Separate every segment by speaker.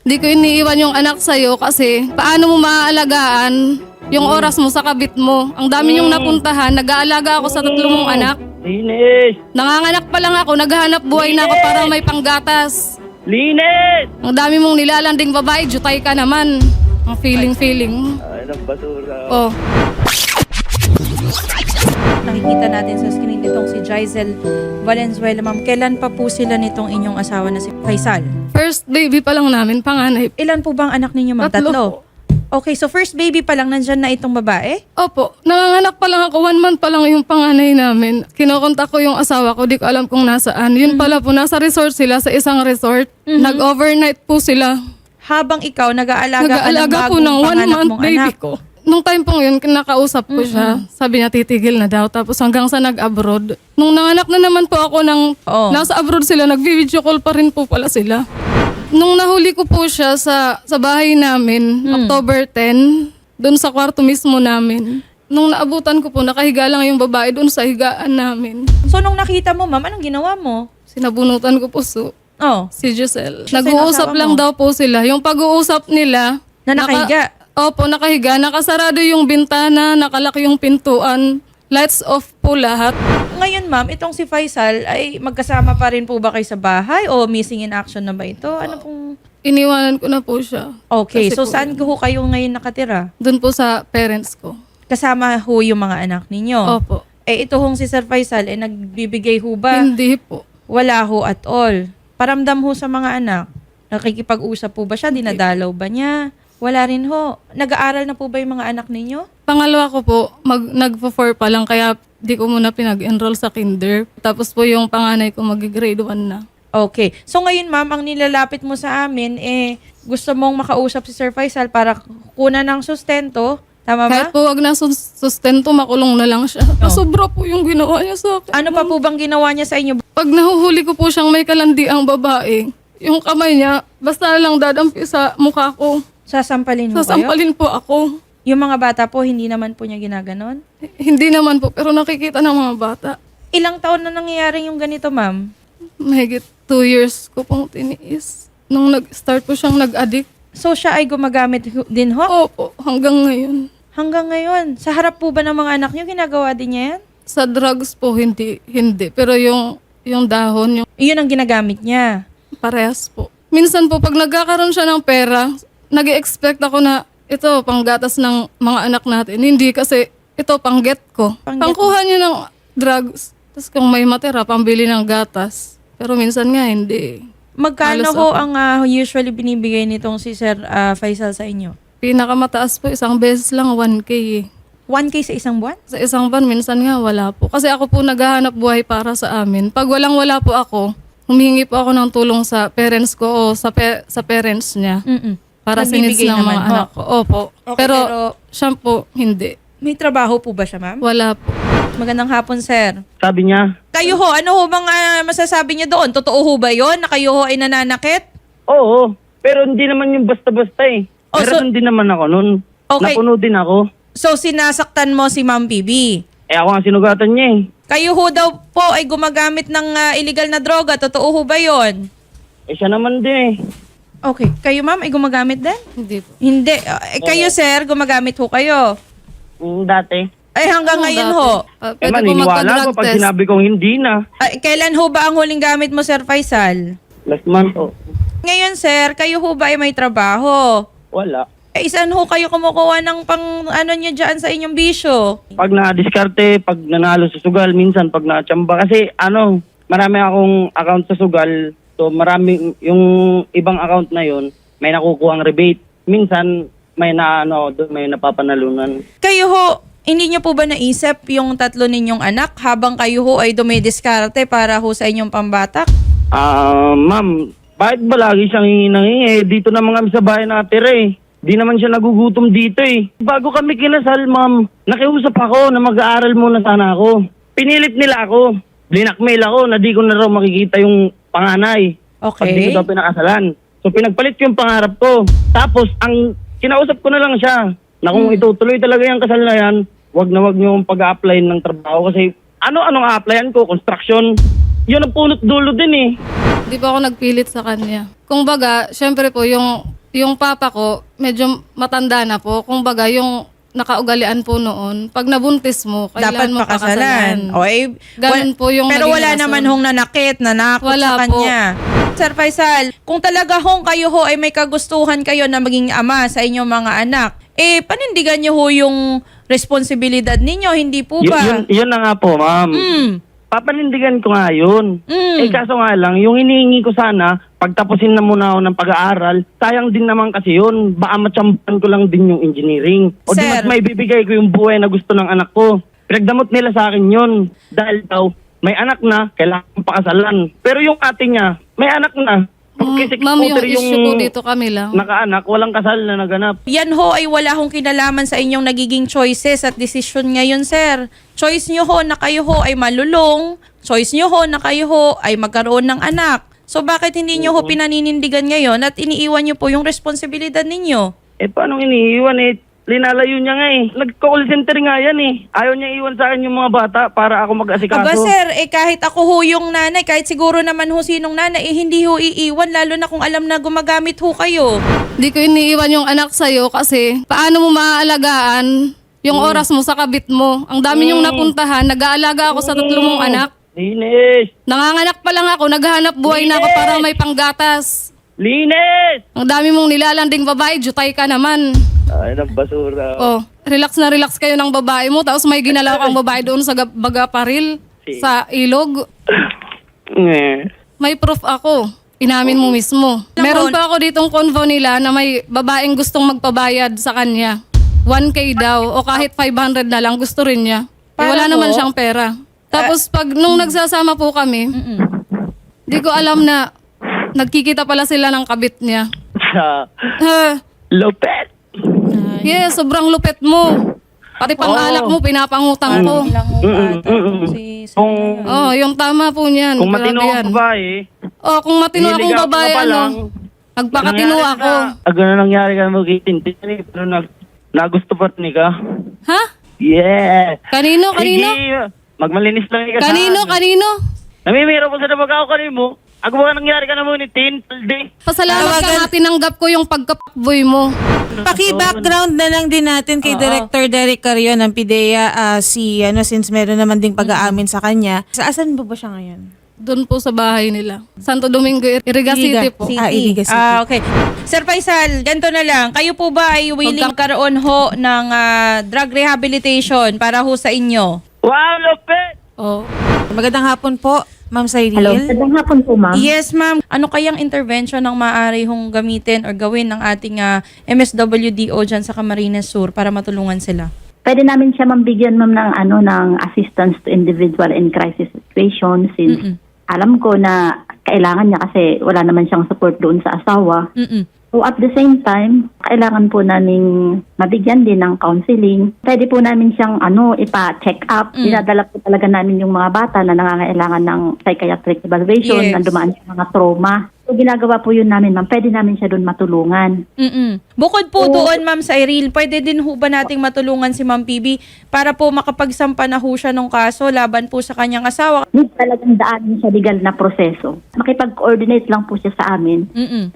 Speaker 1: Di ko iniiwan yung anak sa'yo kasi paano mo maaalagaan yung oras mo sa kabit mo. Ang dami yung napuntahan, nag-aalaga ako sa 3 mong anak.
Speaker 2: Linis!
Speaker 1: Nanganganak pa lang ako, naghahanap buhay na ako para may panggatas.
Speaker 2: Linis!
Speaker 1: Ang dami mong nilalanding babae, jutay ka naman. Ang feeling.
Speaker 2: Ay, ng basura.
Speaker 1: Oh.
Speaker 3: Nakikita natin sa screen itong si Jaisel Valenzuela. Ma'am, kailan pa po sila nitong inyong asawa na si Faisal?
Speaker 1: First baby pa lang namin, panganay.
Speaker 3: Ilan po bang anak ninyo, ma'am?
Speaker 1: 3
Speaker 3: Tatlo.
Speaker 1: po.
Speaker 3: Okay, so first baby pa lang nandyan na itong babae?
Speaker 1: Opo, nanganganak pa lang ako, 1 month pa lang yung panganay namin. Kinokontak ko yung asawa ko, di ko alam kung nasaan. Yun pala po, nasa resort sila, sa isang resort. Nag-overnight po sila.
Speaker 3: Habang ikaw, nag-aalaga ka ng
Speaker 1: Nag-aalaga po
Speaker 3: bagong
Speaker 1: ng 1
Speaker 3: panganak
Speaker 1: month
Speaker 3: mong
Speaker 1: baby
Speaker 3: anak.
Speaker 1: ko. Nung time pong yun, kinakausap ko siya. Sabi niya, titigil na daw. Tapos hanggang sa nag-abroad. Nung nanganak na naman po ako ng
Speaker 3: Oh.
Speaker 1: nasa abroad sila, nag-video call pa rin po pala sila. Nung nahuli ko po siya sa bahay namin, October 10, doon sa kwarto mismo namin. Nung naabutan ko po, nakahiga lang yung babae doon sa higaan namin.
Speaker 3: So nung nakita mo, ma'am, anong ginawa mo?
Speaker 1: Sinabunutan ko po
Speaker 3: Oh,
Speaker 1: si Giselle.
Speaker 3: Siya
Speaker 1: Nag-uusap
Speaker 3: sinasawa
Speaker 1: lang
Speaker 3: mo?
Speaker 1: daw po sila. Yung pag-uusap nila,
Speaker 3: na nakahiga.
Speaker 1: Opo, nakahiga. Nakasarado yung bintana, nakalak yung pintuan. Lights off po lahat.
Speaker 3: Ngayon, ma'am, itong si Faisal ay magkasama pa rin po ba kayo sa bahay o missing in action na ba ito? Ano pong...
Speaker 1: Iniwanan ko na po siya.
Speaker 3: Okay,
Speaker 1: Kasi
Speaker 3: so
Speaker 1: po
Speaker 3: saan ho kayo ngayon nakatira?
Speaker 1: Doon po sa parents ko.
Speaker 3: Kasama ho yung mga anak ninyo?
Speaker 1: Opo.
Speaker 3: Eh, ito hong si Sir Faisal, eh, nagbibigay ho ba?
Speaker 1: Hindi po.
Speaker 3: Wala ho at all. Paramdam ho sa mga anak. Nakikipag-usap po ba siya? Dinadalaw ba niya? Wala rin ho. Nag-aaral na po ba yung mga anak ninyo?
Speaker 1: Pangalawa ko po, nag-4 pa lang kaya di ko muna pinag-enroll sa kinder. Tapos po yung panganay ko mag-grade 1 na.
Speaker 3: Okay. So ngayon, ma'am, ang nilalapit mo sa amin, gusto mong makausap si Sir Faisal para kunan ng sustento. Tama ba?
Speaker 1: Kahit po wag na sustento, makulong na lang siya. Sobra po yung ginawa niya sa akin.
Speaker 3: Ano pa po bang ginawa niya sa inyo?
Speaker 1: Pag nahuhuli ko po siyang may kalandiang babae, yung kamay niya, basta lang dadampi sa mukha ko.
Speaker 3: Sasampalin ho kayo?
Speaker 1: Sasampalin po ako.
Speaker 3: Yung mga bata po, hindi naman po niya ginaganon?
Speaker 1: Hindi naman po, pero nakikita ng mga bata.
Speaker 3: Ilang taon na nangyayari yung ganito, ma'am?
Speaker 1: Mahigit 2 years ko pong tiniis. Nung nag-start po siyang nag-addict.
Speaker 3: So siya ay gumagamit din ho?
Speaker 1: Opo, hanggang ngayon.
Speaker 3: Hanggang ngayon. Sa harap po ba ng mga anak niyo, ginagawa din niya yan?
Speaker 1: Sa drugs po, hindi. Pero yung dahon, yung
Speaker 3: Iyon ang ginagamit niya.
Speaker 1: parehas po. Minsan po, pag nagkakaroon siya ng pera, nag-expect ako na ito, panggatas ng mga anak natin. Hindi kasi ito, pangget ko.
Speaker 3: Pangget
Speaker 1: Pangkuha niya ng drugs. Tapos kung may matira, pambili ng gatas. Pero minsan nga, hindi.
Speaker 3: Magkano
Speaker 1: Halos
Speaker 3: ho
Speaker 1: ako.
Speaker 3: ang usually binibigay nitong si Sir Faisal sa inyo?
Speaker 1: Pinakamataas po, isang beses lang, 1K eh.
Speaker 3: 1K sa isang buwan?
Speaker 1: Sa isang van, minsan nga wala po. Kasi ako po naghahanap buhay para sa amin. Pag walang-wala po ako, humihingi po ako ng tulong sa parents ko o sa parents niya. Para sa needs
Speaker 3: Nagbibigay
Speaker 1: ng
Speaker 3: naman
Speaker 1: mga
Speaker 3: ho.
Speaker 1: anak ko. Opo.
Speaker 3: Okay,
Speaker 1: pero
Speaker 3: pero
Speaker 1: siya po, hindi.
Speaker 3: may trabaho po ba siya, ma'am?
Speaker 1: Wala po.
Speaker 3: Magandang hapon, sir.
Speaker 2: Sabi niya,
Speaker 3: Kayo ho, ano ho bang masasabi niyo doon? Totoo ho ba yon na kayo ho ay nananakit?
Speaker 2: oo, pero hindi naman yung basta-basta eh.
Speaker 3: Oh, so-
Speaker 2: Meron din naman ako nun.
Speaker 3: Okay.
Speaker 2: Napuno din ako.
Speaker 3: So, sinasaktan mo si Ma'am Bibi.
Speaker 2: Eh ako ang sinugatan niya eh.
Speaker 3: Kayo ho daw po ay gumagamit ng illegal na droga. Totoo ho ba yon?
Speaker 2: Eh siya naman din eh.
Speaker 3: Okay. Kayo, ma'am, ay gumagamit din?
Speaker 1: Hindi po.
Speaker 3: Hindi. Kayo, sir, gumagamit ho kayo.
Speaker 2: Dati.
Speaker 3: Ay, hanggang ngayon ho.
Speaker 2: Eh
Speaker 1: Pwede po
Speaker 2: maniniwala
Speaker 1: magpa-drug
Speaker 2: ko pag
Speaker 1: test.
Speaker 2: sinabi kong hindi na.
Speaker 3: Ay, kailan ho ba ang huling gamit mo, Sir Faisal?
Speaker 2: Last month oh.
Speaker 3: Ngayon, sir, kayo ho ba ay may trabaho?
Speaker 2: Wala.
Speaker 3: Eh, saan ho kayo kumukuha ng pang ano nyo dyan sa inyong bisyo?
Speaker 2: Pag na-diskarte, pag nanalo sa sugal, minsan pag na-chamba. Kasi marami akong account sa sugal. So marami, yung ibang account na yun, may nakukuha ang rebate. Minsan, may may napapanalunan.
Speaker 3: Kayo ho, hindi nyo po ba naisip yung 3 ninyong anak habang kayo ho ay dumidiskarte para ho sa inyong pambatak?
Speaker 2: Ma'am, bakit ba lagi siyang hingi? Dito naman kami sa bahay natira eh. Di naman siya nagugutom dito eh. Bago kami kinasal, ma'am, nakiusap ako na mag-aaral muna sana ako. Pinilit nila ako. Blinakmail ako na di ko na raw makikita yung panganay. Pag di
Speaker 3: Okay.
Speaker 2: ko daw pinakasalan. So pinagpalit ko yung pangarap ko. Tapos ang kinausap ko na lang siya na kung itutuloy talaga yung kasal na yan, wag na wag niyo pag-a-apply ng trabaho kasi anong a-applyan ko? Construction. Yun ang punot dulo din eh.
Speaker 1: Di ba ako nagpilit sa kanya? Kung baga, syempre po, yung Yung papa ko, medyo matanda na po. Kumbaga, yung nakaugalian po noon, pag nabuntis mo,
Speaker 3: Dapat
Speaker 1: kailangan mo
Speaker 3: pakasalan.
Speaker 1: pakasalan.
Speaker 3: O, eh,
Speaker 1: Ganun po yung
Speaker 3: pero
Speaker 1: naging
Speaker 3: wala
Speaker 1: rason.
Speaker 3: naman hong nanakot
Speaker 1: Wala
Speaker 3: sa
Speaker 1: po.
Speaker 3: kanya. Sir Faisal, kung talaga hong kayo ho ay may kagustuhan kayo na maging ama sa inyong mga anak, panindigan niyo ho yung responsibilidad ninyo, hindi po ba?
Speaker 2: Yun na nga po, ma'am.
Speaker 3: Mm.
Speaker 2: Papanindigan ko nga yun.
Speaker 3: Mm.
Speaker 2: Kaso nga lang, yung hinihingi ko sana, pagtapusin na muna ako ng pag-aaral, sayang din naman kasi yun. Baka matsampan ko lang din yung engineering. O di
Speaker 3: Sir.
Speaker 2: mas may bibigay ko yung buhay na gusto ng anak ko. Pinagdamot nila sa akin yun. Dahil daw, may anak na, kailangan pakasalan. Pero yung ate niya, may anak na. Kasi
Speaker 1: Ma'am, yung
Speaker 2: scooter
Speaker 1: issue ko dito kami lang.
Speaker 2: nakaanak, walang kasal na naganap.
Speaker 3: Yan ho ay wala hong kinalaman sa inyong nagiging choices at decision ngayon, sir. Choice nyo ho na kayo ho ay malulong. Choice nyo ho na kayo ho ay magkaroon ng anak. So bakit hindi nyo ho pinaninindigan ngayon at iniiwan nyo po yung responsibilidad ninyo?
Speaker 2: Paano iniiwan Linalayo niya nga Nag-call center nga yan Ayaw niya iwan sa akin yung mga bata para ako mag-asikaso.
Speaker 3: Aba sir, kahit ako ho yung nanay, kahit siguro naman ho sinong nanay, hindi ho iiwan lalo na kung alam na gumagamit ho kayo.
Speaker 1: Di ko iniiwan yung anak sa'yo kasi paano mo maaalagaan yung oras mo sa kabit mo. Ang dami yung napuntahan, nag-aalaga ako sa 3 mong anak.
Speaker 2: Linis!
Speaker 1: Nanganganak pa lang ako, naghahanap buhay na ako para may panggatas.
Speaker 2: Linis!
Speaker 1: Ang dami mong nilalanding babae, jutay ka naman.
Speaker 2: Ay, ng basura.
Speaker 1: Oh, relax na relax kayo ng babae mo, tapos may ginalaw kang babae doon sa baga paril, sa ilog. May proof ako. Inamin mo mismo. Meron pa ako ditong convo nila na may babaeng gustong magpabayad sa kanya. 1K daw o kahit 500 na lang gusto rin niya.
Speaker 3: Para
Speaker 1: Wala naman
Speaker 3: ho?
Speaker 1: siyang pera. Tapos pag nung nagsasama po kami, di ko alam na nagkikita pala sila ng kabit niya.
Speaker 2: Sa
Speaker 1: Ha,
Speaker 2: Lopet!
Speaker 1: yes, sobrang lupit mo. Pati pang-alak mo, pinapangutang ko.
Speaker 3: Ilang ho ata si sir.
Speaker 1: Oh, yung tama po niyan.
Speaker 2: Kung
Speaker 1: Grabe
Speaker 2: matino
Speaker 1: yan.
Speaker 2: ang babae,
Speaker 1: Oh, kung matino akong
Speaker 2: niligaw
Speaker 1: babae,
Speaker 2: ka pa lang,
Speaker 1: nagpakatino ako.
Speaker 2: Gano'n nangyari ka mo kay Tintin pero nagusto pa ni ka.
Speaker 1: Ha?
Speaker 2: Yeah!
Speaker 1: Kanino? Kanino?
Speaker 2: Sige, magmalinis lang ka
Speaker 1: Kanino? Kanino?
Speaker 2: Namimiro po sa nabagaw ka rin mo. Ako ba nangyari ka na mo ni Tin? Palde.
Speaker 1: Pasalamat ka nga, tinanggap ko yung pagkapakboy mo.
Speaker 4: Paki-background na lang din natin kay Director Derek Carrion ng PIDEA since meron naman ding pag-aamin sa kanya. Saan ba siya ngayon?
Speaker 1: Doon po sa bahay nila. Santo Domingo, Iriga City po.
Speaker 4: Iliga City.
Speaker 3: Okay. Sir Faisal, ganito na lang. Kayo po ba ay willing karoon ho ng drug rehabilitation para ho sa inyo?
Speaker 2: Wow, Lopet!
Speaker 1: Oh.
Speaker 4: Magandang hapon po, Ma'am Cyril.
Speaker 5: Hello, magandang hapon po, ma'am.
Speaker 3: Yes, ma'am. Ano kayang intervention ang maaari hong gamitin or gawin ng ating MSWDO dyan sa Camarines Sur para matulungan sila?
Speaker 5: Pwede namin siya mambigyan, ma'am, ng assistance to individual in crisis situation since alam ko na kailangan niya kasi wala naman siyang support doon sa asawa. So at the same time, kailangan po namin mabigyan din ng counseling. Pwede po namin siyang ipa-check up. Dinadala po talaga namin yung mga bata na nangangailangan ng psychiatric evaluation,
Speaker 3: Yes.
Speaker 5: na dumaan sa mga trauma. So ginagawa po yun namin, ma'am. Pwede namin siya doon matulungan.
Speaker 3: Bukod po doon, Ma'am Cyril, pwede din ho ba nating matulungan si Ma'am PB para po makapagsampa na ho siya ng kaso laban po sa kanyang asawa?
Speaker 5: Need talagang daanin sa legal na proseso. Makipag-coordinate lang po siya sa amin.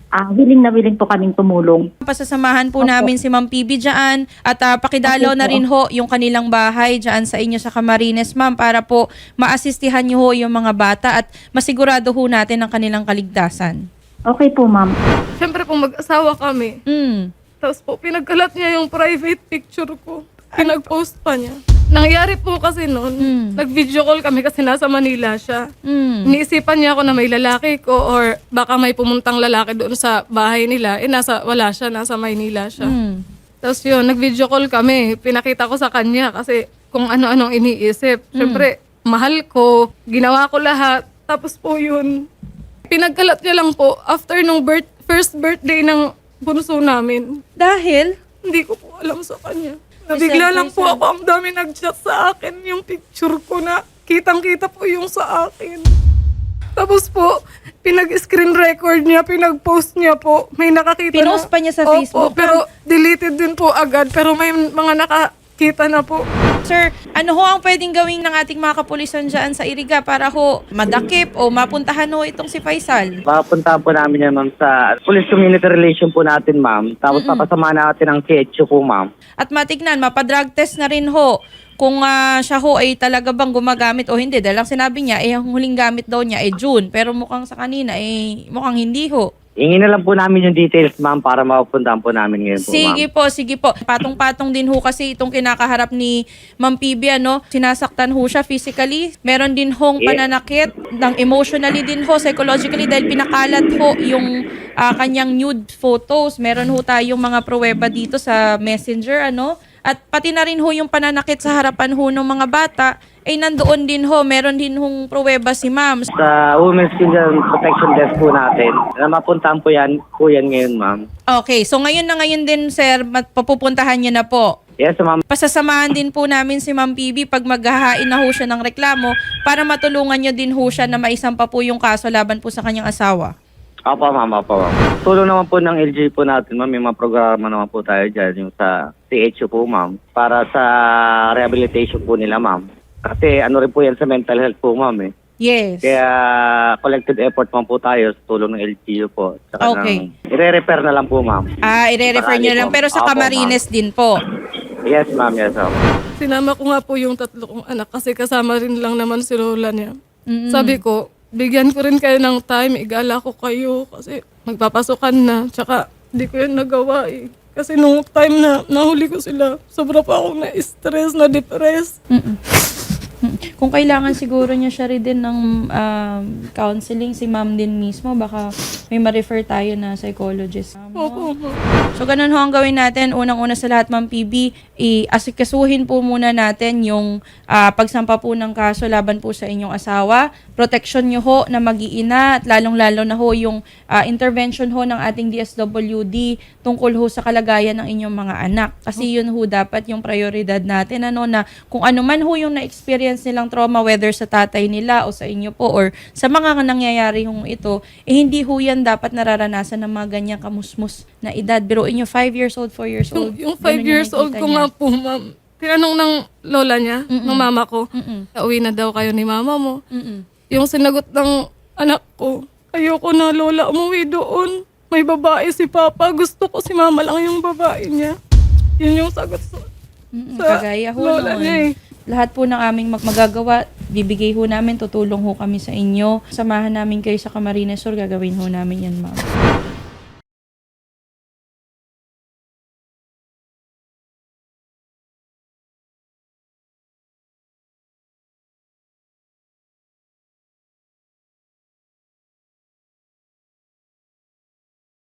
Speaker 5: Willing po kaming tumulong.
Speaker 3: Pasasamahan po namin si Ma'am PB dyan at pakidalaw na rin ho yung kanilang bahay dyan sa inyo sa Camarines, Ma'am, para po maasistihan niyo ho yung mga bata at masigurado ho natin ang kanilang kaligtasan.
Speaker 5: Okay po, ma'am.
Speaker 1: Siyempre po mag-asawa kami. Tapos po, pinagkalat niya yung private picture ko. Pinag-post pa niya. Nangyari po kasi noon, nag-video call kami kasi nasa Manila siya. Iniisipan niya ako na may lalaki ko or baka may pumuntang lalaki doon sa bahay nila. Wala siya, nasa Maynila siya. Tapos yun, nag-video call kami. Pinakita ko sa kanya kasi kung ano-anong iniisip. Siyempre, mahal ko, ginawa ko lahat. Tapos po yun, pinagkalat niya lang po after nung first birthday ng bunso namin.
Speaker 3: Dahil?
Speaker 1: Hindi ko po alam sa kanya. Nabigla lang po ako, ang dami nag-chat sa akin yung picture ko na kitang-kita po yung sa akin. Tapos po, pinag-screen record niya, pinag-post niya po. May nakakita
Speaker 3: Pinost pa niya sa Facebook?
Speaker 1: Opo, pero deleted din po agad. Pero may mga nakakita na po.
Speaker 3: Sir, ano ho ang pwedeng gawin ng ating mga kapulisan dyan sa Iriga para ho madakip o mapuntahan ho itong si Faisal?
Speaker 2: Papuntahan po namin yan, ma'am, sa Police Community Relation po natin, ma'am. Tapos papasama natin ang CHU po, ma'am.
Speaker 3: At matignan, mapadrug test na rin ho kung siya ho ay talaga bang gumagamit o hindi. Dahil ang sinabi niya, ang huling gamit daw niya ay June. Pero mukhang sa kanina, mukhang hindi ho.
Speaker 2: Ingin na lang po namin yung details, ma'am, para mapupuntahan po namin ngayon po, ma'am.
Speaker 3: Sige po. Patong-patong din ho kasi itong kinakaharap ni Ma'am PB, ano? Sinasaktan ho siya physically. Meron din hong pananakit, emotionally din ho, psychologically, dahil pinakalat ho yung kanyang nude photos. Meron ho tayong mga pruweba dito sa Messenger, ano? At pati na rin ho yung pananakit sa harapan ho ng mga bata, nandoon din ho, meron din hong pruweba si ma'am.
Speaker 2: Sa Women's Children Protection Desk po natin, na mapuntahan po yan ngayon, ma'am.
Speaker 3: Okay, so ngayon din, sir, papupuntahan niyo na po.
Speaker 2: Yes, ma'am.
Speaker 3: Pasasamahan din po namin si Ma'am PB pag maghahain na ho siya ng reklamo para matulungan niyo din ho siya na maisampa po yung kaso laban po sa kanyang asawa.
Speaker 2: Opo, ma'am. Tulong naman po ng LG po natin, ma'am. May mga programa naman po tayo dyan, yung sa CHU po, ma'am. Para sa rehabilitation po nila, ma'am. Kasi ano rin po yan sa mental health po, ma'am, eh.
Speaker 3: Yes.
Speaker 2: Kaya collected effort man po tayo sa tulong ng LGU po. Tsaka
Speaker 3: Okay.
Speaker 2: I-refer na lang po, ma'am.
Speaker 3: I-refer niyo na lang. Pero sa
Speaker 2: Opo,
Speaker 3: Camarines din po.
Speaker 2: Yes, ma'am. Yes, ma'am.
Speaker 1: Sinama ko nga po yung 3 kong anak kasi kasama rin lang naman si Lola niya. Sabi ko, bigyan ko rin kayo ng time, igala ko kayo kasi magpapasukan na. Tsaka hindi ko yun nagawa eh. Kasi nung time na nahuli ko sila, sobra pa akong na-stress, na-depress.
Speaker 3: Kung kailangan siguro niya siya rin din ng counseling, si ma'am din mismo, baka may ma-refer tayo na psychologist.
Speaker 1: Opo.
Speaker 3: So, ganun ho ang gawin natin. Unang-una sa lahat, Ma'am PB, asikasuhin po muna natin yung pagsampa po ng kaso laban po sa inyong asawa. Protection nyo ho na mag-iina at lalong-lalo na ho yung intervention ho ng ating DSWD tungkol ho sa kalagayan ng inyong mga anak. Kasi yun ho dapat yung prioridad natin. Na kung ano man ho yung na-experience nilang trauma, whether sa tatay nila o sa inyo po or sa mga nangyayari hong ito, hindi ho yan dapat nararanasan ng mga ganyang kamusmus na edad. Biruin nyo, 5 years old, 4 years old.
Speaker 1: Yung 5 years old ko nga po, ma'am. Tinanong ng lola niya, ng mama ko, uwi na daw kayo ni mama mo. Yung sinagot ng anak ko, ayoko na lola, umuwi doon. May babae si papa, gusto ko si mama lang yung babae niya. Yun yung sagot sa
Speaker 3: Kagaya ho
Speaker 1: lola niya
Speaker 3: noon.
Speaker 1: eh.
Speaker 3: Lahat po ng aming magagawa, bibigay ho namin, tutulong ho kami sa inyo. Samahan namin kayo sa Camarines Sur, gagawin ho namin yan, ma'am.